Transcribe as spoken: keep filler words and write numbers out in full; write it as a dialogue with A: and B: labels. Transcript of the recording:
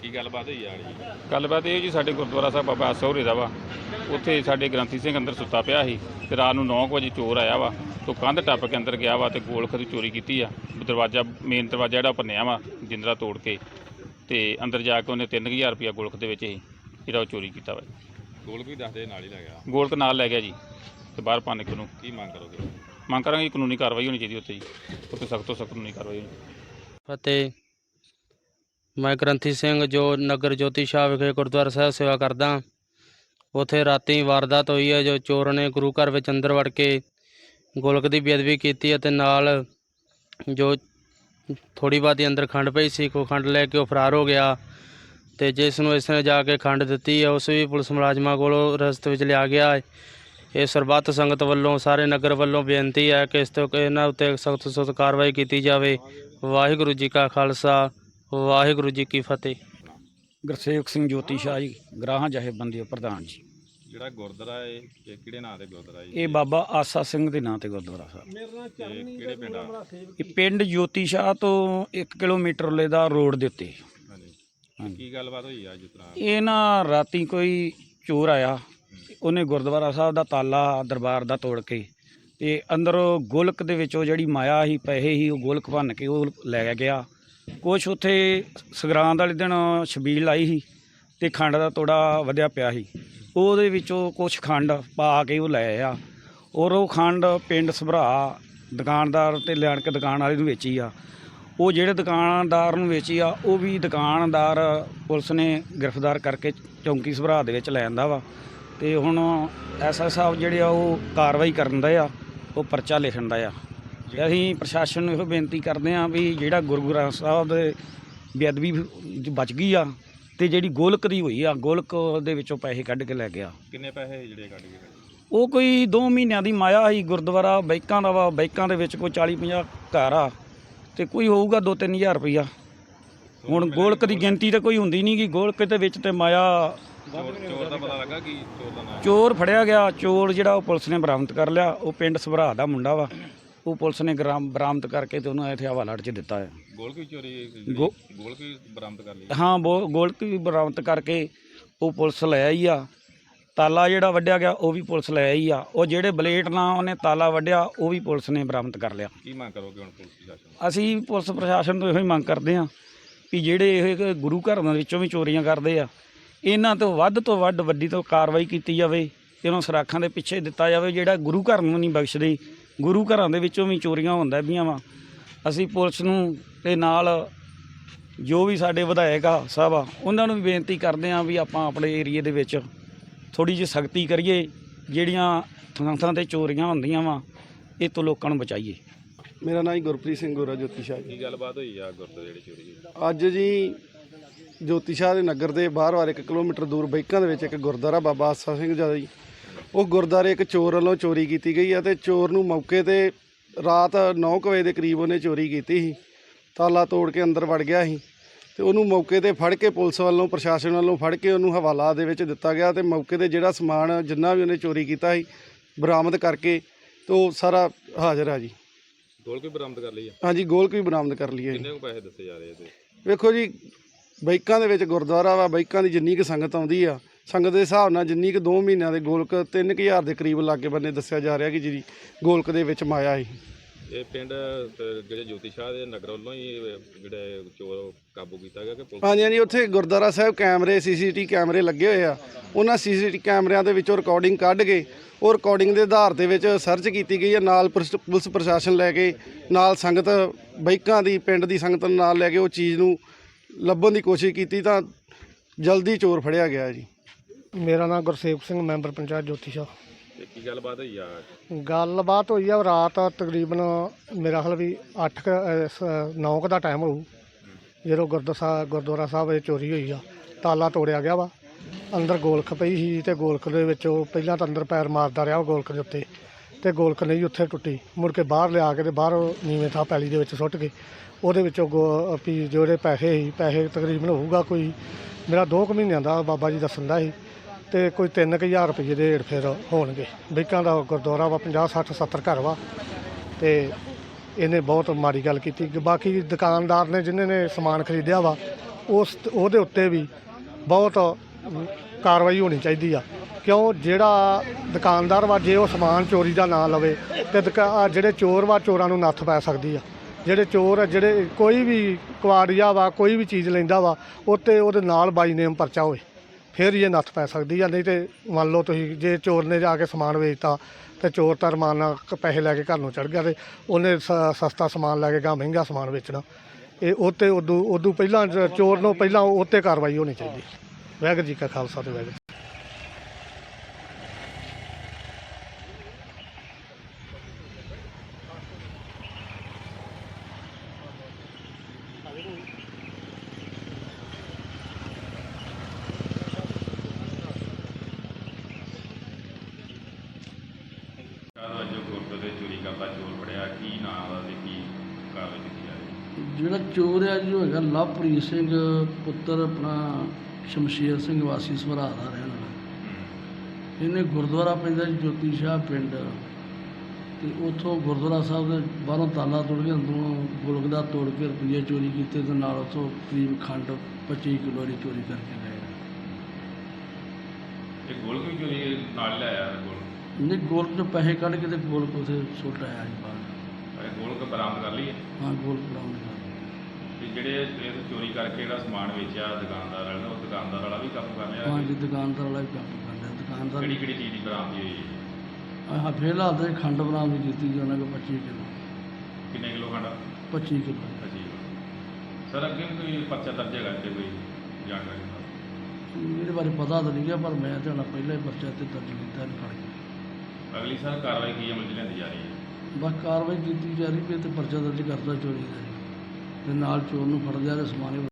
A: ਕੀ ਗੱਲਬਾਤ ਹੋਈ ਆ ਜੀ?
B: ਗੱਲਬਾਤ ਇਹ ਜੀ ਸਾਡੇ ਗੁਰਦੁਆਰਾ ਸਾਹਿਬ ਬਾਬਾ ਆਸਾ ਹੋਰੇ ਦਾ ਵਾ। ਉੱਥੇ ਸਾਡੇ ਗ੍ਰੰਥੀ ਸਿੰਘ ਅੰਦਰ ਸੁੱਤਾ ਪਿਆ ਸੀ ਤੇ ਰਾਤ ਨੂੰ ਨੌ ਕੁ ਵਜੇ ਚੋਰ ਆਇਆ ਵਾ ਤੋਂ ਕੰਧ ਟੱਪ ਕੇ ਅੰਦਰ ਗਿਆ ਵਾ ਤੇ ਗੋਲਖ ਦੀ ਚੋਰੀ ਕੀਤੀ ਆ। ਦਰਵਾਜ਼ਾ ਮੇਨ ਦਰਵਾਜ਼ਾ ਜਿਹੜਾ ਭੰਨਿਆ ਵਾ ਜਿੰਦਰਾ ਤੋੜ ਕੇ ਤੇ ਅੰਦਰ ਜਾ ਕੇ ਉਹਨੇ ਤਿੰਨ ਹਜ਼ਾਰ ਰੁਪਇਆ ਗੋਲਖ ਦੇ ਵਿੱਚ ਹੀ ਜਿਹੜਾ ਉਹ ਚੋਰੀ ਕੀਤਾ ਵਾ।
A: ਗੋਲਕ ਵੀ ਦੱਸਦੇ ਨਾਲ ਹੀ ਲੈ ਗਿਆ।
B: ਗੋਲਖ ਨਾਲ ਲੈ ਗਿਆ ਜੀ ਤੇ ਬਾਹਰ ਭੰਨ ਕੇ ਉਹਨੂੰ।
A: ਕੀ ਮੰਗ ਕਰੋਗੇ?
B: ਮੰਗ ਕਰਾਂਗੇ ਕਾਨੂੰਨੀ ਕਾਰਵਾਈ ਹੋਣੀ ਚਾਹੀਦੀ ਉੱਥੇ ਜੀ, ਉੱਥੇ ਸਖਤ ਤੋਂ ਸਖਤ ਕਾਨੂੰਨੀ ਕਾਰਵਾਈ ਹੋਣੀ।
C: ਅਤੇ ਮੈਂ ਗ੍ਰੰਥੀ ਸਿੰਘ ਜੋ ਨਗਰ ਜੋਤੀ ਸ਼ਾਹ ਵਿਖੇ ਗੁਰਦੁਆਰਾ ਸਾਹਿਬ ਸੇਵਾ ਕਰਦਾ। ਉੱਥੇ ਰਾਤੀ ਵਾਰਦਾਤ ਹੋਈ ਹੈ ਜੋ ਚੋਰ ਨੇ ਗੁਰੂ ਘਰ ਵਿੱਚ ਅੰਦਰ ਵੜ ਕੇ ਗੋਲਕ ਦੀ ਬੇਅਦਬੀ ਕੀਤੀ ਅਤੇ ਨਾਲ ਜੋ ਥੋੜ੍ਹੀ ਬਹੁਤੀ ਅੰਦਰ ਖੰਡ ਪਈ ਸੀ ਕੋ ਖੰਡ ਲੈ ਕੇ ਉਹ ਫਰਾਰ ਹੋ ਗਿਆ ਅਤੇ ਜਿਸ ਨੂੰ ਇਸ ਨੇ ਜਾ ਕੇ ਖੰਡ ਦਿੱਤੀ ਹੈ ਉਸ ਵੀ ਪੁਲਿਸ ਮੁਲਾਜ਼ਮਾਂ ਕੋਲੋਂ ਰਸਤੇ ਵਿੱਚ ਲਿਆ ਗਿਆ ਹੈ। ਇਹ ਸਰਬੱਤ ਸੰਗਤ ਵੱਲੋਂ ਸਾਰੇ ਨਗਰ ਵੱਲੋਂ ਬੇਨਤੀ ਹੈ ਕਿ ਇਸ ਤੋਂ ਇਹਨਾਂ ਉੱਤੇ ਸਖਤ ਤੋਂ ਸਖਤ ਕਾਰਵਾਈ ਕੀਤੀ ਜਾਵੇ। ਵਾਹਿਗੁਰੂ ਜੀ ਕਾ ਖਾਲਸਾ ਵਾਹਿਗੁਰੂ ਜੀ ਕੀ ਫਤਿਹ।
D: ਗੁਰਸੇਵਕ ਸਿੰਘ ਜੋਤੀ ਸ਼ਾਹ ਜੀ, ਗਰਾਹਾਂ ਜਥੇਬੰਦੀ ਪ੍ਰਧਾਨ ਜੀ।
A: ਜਿਹੜਾ ਗੁਰਦੁਆਰਾ ਹੈ ਇਹ ਕਿਹੜੇ ਨਾਂ ਤੇ ਗੁਰਦੁਆਰਾ ਜੀ?
D: ਇਹ ਬਾਬਾ ਆਸਾ ਸਿੰਘ ਦੇ ਨਾਂ ਤੇ ਗੁਰਦੁਆਰਾ ਸਾਹਿਬ।
A: ਤੇ ਕਿਹੜੇ ਪਿੰਡ ਆ?
D: ਇਹ ਪਿੰਡ ਜੋਤੀ ਸ਼ਾਹ ਤੋਂ ਇੱਕ ਕਿਲੋਮੀਟਰ ਲੈ ਦਾ ਰੋਡ ਦੇ ਉੱਤੇ।
A: ਹਾਂਜੀ। ਕੀ ਗੱਲਬਾਤ ਹੋਈ ਆ ਜਿਸ ਤਰ੍ਹਾਂ?
D: ਇਹ ਨਾ ਰਾਤੀ ਕੋਈ ਚੋਰ ਆਇਆ, ਉਹਨੇ ਗੁਰਦੁਆਰਾ ਸਾਹਿਬ ਦਾ ਤਾਲਾ ਦਰਬਾਰ ਦਾ ਤੋੜ ਕੇ ਤੇ ਅੰਦਰ ਗੋਲਕ ਦੇ ਵਿੱਚੋਂ ਜਿਹੜੀ ਮਾਇਆ ਸੀ ਪੈਸੇ ਸੀ ਉਹ ਗੋਲਕ ਭੰਨ ਕੇ ਉਹ ਲੈ ਗਿਆ। ਕੁਛ ਉੱਥੇ ਸੰਗਰਾਂਦ ਵਾਲੇ ਦਿਨ ਛਬੀਲ ਲਾਈ ਸੀ ਤੇ ਖੰਡ ਦਾ ਤੋੜਾ ਵਧਿਆ ਪਿਆ ਸੀ, ਉਹਦੇ ਵਿੱਚੋਂ ਕੁਛ ਖੰਡ ਪਾ ਕੇ ਉਹ ਲੈ ਆ। ਔਰ ਉਹ ਖੰਡ ਪਿੰਡ ਸਭਰਾ ਦੁਕਾਨਦਾਰ ਤੇ ਲੈਣ ਕੇ ਦੁਕਾਨ ਵਾਲੇ ਨੂੰ ਵੇਚੀ ਆ। ਉਹ ਜਿਹੜੇ ਦੁਕਾਨਦਾਰ ਨੂੰ ਵੇਚੀ ਆ ਉਹ ਵੀ ਦੁਕਾਨਦਾਰ ਪੁਲਿਸ ਨੇ ਗ੍ਰਿਫਤਾਰ ਕਰਕੇ ਚੌਂਕੀ ਸਭਰਾ ਦੇ ਵਿੱਚ ਲੈ ਆਂਦਾ ਵਾ। ਤੇ ਹੁਣ ਐਸ ਐਸ ਸਾਹਿਬ ਜਿਹੜੇ ਆ ਉਹ ਕਾਰਵਾਈ ਕਰਨ ਦਾ ਆ, ਉਹ ਪਰਚਾ ਲਿਖਣ ਦਾ ਆ। ਤੇ ਅਸੀਂ ਪ੍ਰਸ਼ਾਸਨ ਨੂੰ ਇਹੋ ਬੇਨਤੀ ਕਰਦੇ ਹਾਂ ਵੀ ਜਿਹੜਾ ਗੁਰੂ ਗ੍ਰੰਥ ਸਾਹਿਬ ਦੇ ਬੇਅਦਬੀ ਬਚ ਗਈ ਆ ਤੇ ਜਿਹੜੀ ਗੋਲਕ ਦੀ ਹੋਈ ਆ, ਗੋਲਕ ਦੇ ਵਿੱਚੋਂ ਪੈਸੇ ਕੱਢ ਕੇ ਲੈ ਗਿਆ।
A: ਕਿੰਨੇ ਪੈਸੇ ਜਿਹੜੇ ਕੱਢ ਗਏ?
D: ਉਹ ਕੋਈ ਦੋ ਮਹੀਨਿਆਂ ਦੀ ਮਾਇਆ ਸੀ। ਗੁਰਦੁਆਰਾ ਬਾਈਕਾਂ ਦਾ ਵਾ, ਬਾਈਕਾਂ ਦੇ ਵਿੱਚ ਕੋਈ ਚਾਲੀ ਪੰਜਾਹ ਘਰ ਆ ਤੇ ਕੋਈ ਹੋਊਗਾ ਦੋ ਤਿੰਨ ਹਜ਼ਾਰ ਰੁਪਈਆ। ਹੁਣ ਗੋਲਕ ਦੀ ਗਿਣਤੀ ਤਾਂ ਕੋਈ ਹੁੰਦੀ ਨਹੀਂ ਗੀ, ਗੋਲਕ ਦੇ ਵਿੱਚ ਤੇ ਮਾਇਆ।
A: ਚੋਰ ਚੋਰ ਦਾ ਪਤਾ ਲੱਗਾ ਕਿ ਚੋਰ ਦਾ ਨਾਮ?
D: ਚੋਰ ਫੜਿਆ ਗਿਆ। ਚੋਰ ਜਿਹੜਾ ਉਹ ਪੁਲਿਸ ਨੇ ਬਰਾਮਦ ਕਰ ਲਿਆ। ਉਹ ਪਿੰਡ ਸਭਰਾ ਦਾ ਮੁੰਡਾ ਵਾ। ਉਹ ਪੁਲਿਸ ਨੇ ਗ੍ਰਾਮ ਬਰਾਮਦ ਕਰਕੇ ਤੇ ਉਹਨੂੰ ਇੱਥੇ ਹਵਾਲਾ 'ਚ ਦਿੱਤਾ ਹੈ।
A: ਗੋਲਕ ਵੀ ਚੋਰੀ
D: ਗੋ-
A: ਗੋਲਕ ਵੀ ਬਰਾਮਦ ਕਰ ਲਈ?
D: ਹਾਂ, ਬੋ ਗੋਲਕ ਵੀ ਬਰਾਮਦ ਕਰਕੇ ਉਹ ਪੁਲਿਸ ਲੈ ਆਈ ਆ। ਤਾਲਾ ਜਿਹੜਾ ਵੱਢਿਆ ਗਿਆ ਉਹ ਵੀ ਪੁਲਿਸ ਲੈ ਆਈ ਆ। ਉਹ ਜਿਹੜੇ ਬਲੇਟ ਨਾਲ ਉਹਨੇ ਤਾਲਾ ਵੱਢਿਆ ਉਹ ਵੀ ਪੁਲਿਸ ਨੇ ਬਰਾਮਦ ਕਰ ਲਿਆ।
A: ਕੀ ਮੰਗ ਕਰੋਗੇ ਹੁਣ ਪੁਲਿਸ ਪ੍ਰਸ਼ਾਸਨ?
D: ਅਸੀਂ ਪੁਲਿਸ ਪ੍ਰਸ਼ਾਸਨ ਤੋਂ ਇਹੋ ਹੀ ਮੰਗ ਕਰਦੇ ਹਾਂ ਵੀ ਜਿਹੜੇ ਇਹ ਗੁਰੂ ਘਰਾਂ ਦੇ ਵਿੱਚੋਂ ਵੀ ਚੋਰੀਆਂ ਕਰਦੇ ਆ, ਇਹਨਾਂ ਤੋਂ ਵੱਧ ਤੋਂ ਵੱਧ ਵੱਡੀ ਤੋਂ ਕਾਰਵਾਈ ਕੀਤੀ ਜਾਵੇ। ਇਹਨਾਂ ਸਰਾਖਾਂ ਦੇ ਪਿੱਛੇ ਦਿੱਤਾ ਜਾਵੇ। ਜਿਹੜਾ ਗੁਰੂ ਘਰ ਨੂੰ ਨਹੀਂ ਬਖਸ਼ਦੇ, ਗੁਰੂ ਘਰਾਂ ਦੇ ਵਿੱਚੋਂ ਵੀ ਚੋਰੀਆਂ ਹੁੰਦਾ ਪਈਆਂ ਵਾ। ਅਸੀਂ ਪੁਲਿਸ ਨੂੰ ਤੇ ਨਾਲ ਜੋ ਵੀ ਸਾਡੇ ਵਿਧਾਇਕ ਆ ਸਾਹਿਬ ਆ ਉਹਨਾਂ ਨੂੰ ਵੀ ਬੇਨਤੀ ਕਰਦੇ ਹਾਂ ਵੀ ਆਪਾਂ ਆਪਣੇ ਏਰੀਏ ਦੇ ਵਿੱਚ ਥੋੜ੍ਹੀ ਜਿਹੀ ਸਖਤੀ ਕਰੀਏ। ਜਿਹੜੀਆਂ ਥਾਂ ਥਾਂ 'ਤੇ ਚੋਰੀਆਂ ਹੁੰਦੀਆਂ ਵਾ ਇਹ ਤੋਂ ਲੋਕਾਂ ਨੂੰ ਬਚਾਈਏ।
E: ਮੇਰਾ ਨਾਮ ਜੀ ਗੁਰਪ੍ਰੀਤ ਸਿੰਘ ਗੋਰਾ ਜੋਤੀ ਸ਼ਾਹ ਜੀ।
A: ਕੀ ਗੱਲਬਾਤ ਹੋਈ ਆ ਗੁਰਦੁਆਰੇ ਜਿਹੜੀ ਚੋਰੀ ਹੋਈ?
E: ਅੱਜ ਜੀ ਜੋਤੀ ਸ਼ਾਹ ਦੇ ਨਗਰ ਦੇ ਬਾਹਰ ਵਾਰ ਇੱਕ ਕਿਲੋਮੀਟਰ ਦੂਰ ਬਾਈਕਾਂ ਦੇ ਵਿੱਚ ਇੱਕ ਗੁਰਦੁਆਰਾ ਬਾਬਾ ਆਸਾ ਸਿੰਘ ਜੀ ਦਾ ਜੀ, ਉਹ ਗੁਰਦੁਆਰੇ ਇੱਕ ਚੋਰ ਵੱਲੋਂ ਚੋਰੀ ਕੀਤੀ ਗਈ ਹੈ ਤੇ ਚੋਰ ਨੂੰ ਮੌਕੇ ਤੇ ਰਾਤ ਨੌ ਕੁ ਵਜੇ ਦੇ ਕਰੀਬ ਉਹਨੇ ਚੋਰੀ ਕੀਤੀ ਸੀ। ਤਾਲਾ ਤੋੜ ਕੇ ਅੰਦਰ ਵੜ ਗਿਆ ਸੀ ਤੇ ਉਹਨੂੰ ਮੌਕੇ ਤੇ ਫੜ ਕੇ ਪੁਲਿਸ ਵੱਲੋਂ ਪ੍ਰਸ਼ਾਸਨ ਵੱਲੋਂ ਫੜ ਕੇ ਉਹਨੂੰ ਹਵਾਲਾ ਦੇ ਵਿੱਚ ਦਿੱਤਾ ਗਿਆ ਤੇ ਮੌਕੇ ਤੇ ਜਿਹੜਾ ਸਮਾਨ ਜਿੰਨਾ ਵੀ ਉਹਨੇ ਚੋਰੀ ਕੀਤਾ ਸੀ ਬਰਾਮਦ ਕਰਕੇ ਤੇ ਉਹ ਸਾਰਾ ਹਾਜ਼ਰ ਆ ਜੀ।
A: ਗੋਲਕ ਵੀ ਬਰਾਮਦ ਕਰ ਲਈ ਆ?
E: ਹਾਂਜੀ, ਗੋਲਕ ਵੀ ਬਰਾਮਦ ਕਰ ਲਈ ਹੈ ਜੀ।
A: ਕਿੰਨੇ ਕੁ ਪੈਸੇ ਦੱਸੇ ਜਾ ਰਹੇ ਇਹਦੇ?
E: ਵੇਖੋ ਜੀ, ਬਾਈਕਾਂ ਦੇ ਵਿੱਚ ਗੁਰਦੁਆਰਾ ਵਾ, ਬਾਈਕਾਂ ਦੀ ਜਿੰਨੀ ਕੁ ਸੰਗਤ ਆਉਂਦੀ ਆ, ਸੰਗਤ ਦੇ ਹਿਸਾਬ ਨਾਲ ਜਿੰਨੀ ਕੁ ਦੋ ਮਹੀਨਿਆਂ ਦੇ ਗੋਲਕ ਤਿੰਨ ਕੁ ਹਜ਼ਾਰ ਦੇ ਕਰੀਬ ਲਾਗੇ ਬੰਨੇ ਦੱਸਿਆ ਜਾ ਰਿਹਾ ਕਿ ਜਿਹੜੀ ਗੋਲਕ ਦੇ ਵਿੱਚ ਮਾਇਆ ਸੀ।
A: ਇਹ ਪਿੰਡ ਤੇ ਜਿਹੜੇ ਜੋਤੀ ਸ਼ਾਹ ਦੇ ਨਗਰ ਵੱਲੋਂ ਹੀ ਜਿਹੜੇ ਚੋਰ ਕਾਬੂ ਕੀਤਾ ਗਿਆ ਕਿ ਪੁਲਿਸ?
E: ਹਾਂਜੀ ਹਾਂਜੀ, ਉੱਥੇ ਗੁਰਦੁਆਰਾ ਸਾਹਿਬ ਕੈਮਰੇ ਸੀਸੀਟੀ ਕੈਮਰੇ ਲੱਗੇ ਹੋਏ ਆ। ਉਹਨਾਂ ਸੀਸੀਟੀ ਕੈਮਰਿਆਂ ਦੇ ਵਿੱਚੋਂ ਰਿਕਾਰਡਿੰਗ ਕੱਢ ਕੇ ਉਹ ਰਿਕਾਰਡਿੰਗ ਦੇ ਆਧਾਰ ਦੇ ਵਿੱਚ ਸਰਚ ਕੀਤੀ ਗਈ ਹੈ। ਨਾਲ ਪੁਲਿਸ ਪ੍ਰਸ਼ਾਸਨ ਲੈ ਕੇ ਨਾਲ ਸੰਗਤ ਬਾਈਕਾਂ ਦੀ ਪਿੰਡ ਦੀ ਸੰਗਤ ਨੂੰ ਨਾਲ ਲੈ ਕੇ ਉਹ ਚੀਜ਼ ਨੂੰ ਲੱਭਣ ਦੀ ਕੋਸ਼ਿਸ਼ ਕੀਤੀ ਤਾਂ ਜਲਦੀ ਚੋਰ ਫੜਿਆ ਗਿਆ ਜੀ।
F: ਮੇਰਾ ਨਾਮ ਗੁਰਸੇਵਕ ਸਿੰਘ, ਮੈਂਬਰ ਪੰਚਾਇਤ ਜੋਤੀ ਸ਼ਾਹ।
A: ਤੇ ਕੀ ਗੱਲਬਾਤ ਹੋਈ ਆ?
F: ਗੱਲਬਾਤ ਹੋਈ ਆ ਰਾਤ ਤਕਰੀਬਨ ਮੇਰਾ ਖਿਆਲ ਵੀ ਅੱਠ ਨੌ ਕੁ ਦਾ ਟਾਈਮ ਹੋਊ ਜਦੋਂ ਗੁਰਦੁਆਰਾ ਸਾਹਿਬ ਗੁਰਦੁਆਰਾ ਸਾਹਿਬ ਇਹ ਚੋਰੀ ਹੋਈ ਆ। ਤਾਲਾ ਤੋੜਿਆ ਗਿਆ ਵਾ, ਅੰਦਰ ਗੋਲਕ ਪਈ ਸੀ ਤੇ ਗੋਲਕ ਦੇ ਵਿੱਚ ਉਹ ਪਹਿਲਾਂ ਤਾਂ ਅੰਦਰ ਪੈਰ ਮਾਰਦਾ ਰਿਹਾ ਗੋਲਕ ਦੇ ਉੱਤੇ ਤੇ ਗੋਲਕ ਨਹੀਂ ਉੱਥੇ ਟੁੱਟੀ। ਮੁੜ ਕੇ ਬਾਹਰ ਲਿਆ ਕੇ ਤੇ ਬਾਹਰ ਨੀਵੇਂ ਥਾਂ ਪੈਲੀ ਦੇ ਵਿੱਚ ਸੁੱਟ ਕੇ ਉਹਦੇ ਵਿੱਚੋਂ ਗੋ ਵੀ ਜਿਹੜੇ ਪੈਸੇ ਸੀ ਪੈਸੇ ਤਕਰੀਬਨ ਹੋਊਗਾ ਕੋਈ ਮੇਰਾ ਦੋ ਕੁ ਮਹੀਨਿਆਂ ਦਾ ਬਾਬਾ ਜੀ ਦੱਸਣ ਦਾ ਸੀ ਤੇ ਕੋਈ ਤਿੰਨ ਕੁ ਹਜ਼ਾਰ ਰੁਪਏ ਦੇ ਹੇਠ ਫੇਰ ਹੋਣਗੇ। ਬਾਈਕਾਂ ਦਾ ਗੁਰਦੁਆਰਾ ਵਾ, ਪੰਜਾਹ ਸੱਠ ਸੱਤਰ ਘਰ ਵਾ ਤੇ ਇਹਨੇ ਬਹੁਤ ਮਾੜੀ ਗੱਲ ਕੀਤੀ। ਬਾਕੀ ਦੁਕਾਨਦਾਰ ਨੇ ਜਿਨ੍ਹਾਂ ਨੇ ਸਮਾਨ ਖਰੀਦਿਆ ਵਾ ਉਸ ਉਹਦੇ ਉੱਤੇ ਵੀ ਬਹੁਤ ਕਾਰਵਾਈ ਹੋਣੀ ਚਾਹੀਦੀ ਆ। ਕਿਉਂ ਜਿਹੜਾ ਦੁਕਾਨਦਾਰ ਵਾ ਜੇ ਉਹ ਸਮਾਨ ਚੋਰੀ ਦਾ ਨਾ ਲਵੇ ਤੇ ਦੁਕਾ- ਆਹ ਜਿਹੜੇ ਚੋਰ ਵਾ ਚੋਰਾਂ ਨੂੰ ਨੱਥ ਪੈ ਸਕਦੀ ਆ। ਜਿਹੜੇ ਚੋਰ ਆ, ਜਿਹੜੇ ਕੋਈ ਵੀ ਕੁਆੜੀਆ ਵਾ ਕੋਈ ਵੀ ਚੀਜ਼ ਲੈਂਦਾ ਵਾ ਉੱਤੇ ਉਹਦੇ ਨਾਲ ਬਾਈ ਨੇਮ ਪਰਚਾ ਹੋਵੇ ਫਿਰ ਹੀ ਇਹ ਨੱਥ ਪੈ ਸਕਦੀ ਆ। ਨਹੀਂ ਤੇ ਮੰਨ ਲਓ ਤੁਸੀਂ ਜੇ ਚੋਰ ਨੇ ਜਾ ਕੇ ਸਮਾਨ ਵੇਚਤਾ ਤੇ ਚੋਰ ਤਾਂ ਰਮਾਨ ਨਾਲ ਕ- ਪੈਸੇ ਲੈ ਕੇ ਘਰ ਨੂੰ ਚੜ ਗਿਆ ਤੇ ਉਹਨੇ ਸ- ਸਸਤਾ ਸਮਾਨ ਲੈ ਕੇ ਗਾ ਮਹਿੰਗਾ ਸਮਾਨ ਵੇਚਣਾ। ਇਹ ਉਹਤੇ ਉਦੋਂ ਉਦੋਂ ਪਹਿਲਾਂ ਜ- ਚੋਰ ਨੂੰ ਪਹਿਲਾਂ ਉੱਤੇ ਕਾਰਵਾਈ ਹੋਣੀ ਚਾਹੀਦੀ। ਵਾਹਿਗੁਰੂ ਜੀ ਕਾ ਖਾਲਸਾ ਤੇ ਵਾਹਿਗੁਰੂ।
B: ਕਾਹਦਾ ਜੋ ਗੁਰਦੁਆਰੇ ਚੋਰੀ ਕਰਦਾ ਚੋਰ ਫੜਿਆ ਕੀ ਨਾਮ ਦਾ ਤੇ ਕੀ ਕਾਰਵਾਈ ਕੀਤੀ ਜਾ ਰਹੀ
G: ਜਿਹੜਾ ਚੋਰ ਆ ਜੀ ਉਹ ਹੈਗਾ ਲਵਪ੍ਰੀਤ ਸਿੰਘ ਪੁੱਤਰ ਆਪਣਾ ਸ਼ਮਸ਼ੇਰ ਸਿੰਘ ਵਾਸੀ ਸਭਰਾ ਦਾ ਰਹਿਣ ਵਾਲਾ। ਇਹਨੇ ਗੁਰਦੁਆਰਾ ਪੈਂਦਾ ਜੀ ਜੋਤੀ ਸ਼ਾਹ ਪਿੰਡ ਤੇ ਉੱਥੋਂ ਗੁਰਦੁਆਰਾ ਸਾਹਿਬ ਦੇ ਬਾਹਰੋਂ ਤਾਲਾ ਤੋੜ ਕੇ ਅੰਦਰੋਂ ਗੁਲਕ ਦਾ ਤੋੜ ਕੇ ਰੁਪਈਏ ਚੋਰੀ ਕੀਤੇ ਤੇ ਨਾਲ ਉੱਥੋਂ ਕਰੀਬ ਖੰਡ ਪੱਚੀ ਕਿਲੋ ਦੀ ਚੋਰੀ ਕਰਕੇ ਗਏ।
B: ਇਹ ਗੋਲਕ ਵੀ ਚੋਰੀ ਨਾਲ ਲਿਆਇਆ ਗੋਲ
G: ਨਹੀਂ ਗੋਲਕ ਚੋਂ ਪੈਸੇ ਕੱਢ ਕੇ ਤੇ ਗੋਲਕ ਉੱਥੇ ਸੁੱਟ ਆਇਆ ਜੀ ਬਾਹਰ।
B: ਇਹ ਗੋਲਕ ਬਰਾਮਦ ਕਰ ਲਈ ਹੈ।
G: ਹਾਂ ਗੋਲਕ ਬਰਾਮਦ ਕਰ
B: ਤੇ ਜਿਹੜੇ ਇਹ ਚੋਰੀ ਕਰਕੇ ਜਿਹੜਾ ਸਮਾਨ ਵੇਚਿਆ ਦੁਕਾਨਦਾਰ ਵਾਲਾ ਉਹ ਦੁਕਾਨਦਾਰ ਵਾਲਾ ਵੀ ਕਾਬੂ ਕਰ ਲਿਆ।
G: ਹਾਂ ਜੀ ਦੁਕਾਨਦਾਰ ਵਾਲਾ ਵੀ ਕੰਮ ਕਰ ਰਿਹਾ। ਦੁਕਾਨਦਾਰ
B: ਕਿਹੜੀ ਕਿਹੜੀ ਚੀਜ਼ ਦੀ ਬਰਾਮਦੀ ਹੋਈ ਹੈ?
G: ਹਾਂ ਫਿਲਹਾਲ ਤਾਂ ਇਹ ਖੰਡ ਬਰਾਮਦ ਕੀਤੀ ਜੀ ਉਹਨਾਂ ਕੋਲ ਪੱਚੀ ਕਿਲੋ
B: ਕਿੰਨੇ ਕਿਲੋ ਖੰਡ?
G: ਪੱਚੀ ਕਿਲੋ
B: ਅੱਛੀ ਸਰ ਅੱਗੇ ਵੀ ਕੋਈ ਪਰਚਾ ਦਰਜ ਹੈਗਾ ਤੇ ਕੋਈ ਜਾਣਕਾਰੀ ਦਿਓ।
G: ਇਹਦੇ ਬਾਰੇ ਪਤਾ ਤਾਂ ਨਹੀਂ ਗਿਆ ਪਰ ਮੈਂ ਤਾਂ ਹੁਣ ਪਹਿਲਾਂ ਹੀ ਪਰਚਾ ਤੇ ਦਰਜ ਕੀਤਾ ਇਹਨੂੰ ਫੜ ਕੇ।
B: ਅਗਲੀ ਸਰ ਕਾਰਵਾਈ ਕੀ ਅਮਲ 'ਚ ਲਿਆਂਦੀ ਜਾ ਰਹੀ ਹੈ?
G: ਬਸ ਕਾਰਵਾਈ ਕੀਤੀ ਜਾ ਰਹੀ ਵੀ ਇਹ ਤੇ ਪਰਚਾ ਦਰਜ ਕਰਦਾ ਚੋਰੀ ਦਾ ਜੀ ਤੇ ਨਾਲ ਚੋਰ ਨੂੰ ਫੜ ਲਿਆ ਤੇ ਸਮਾਨ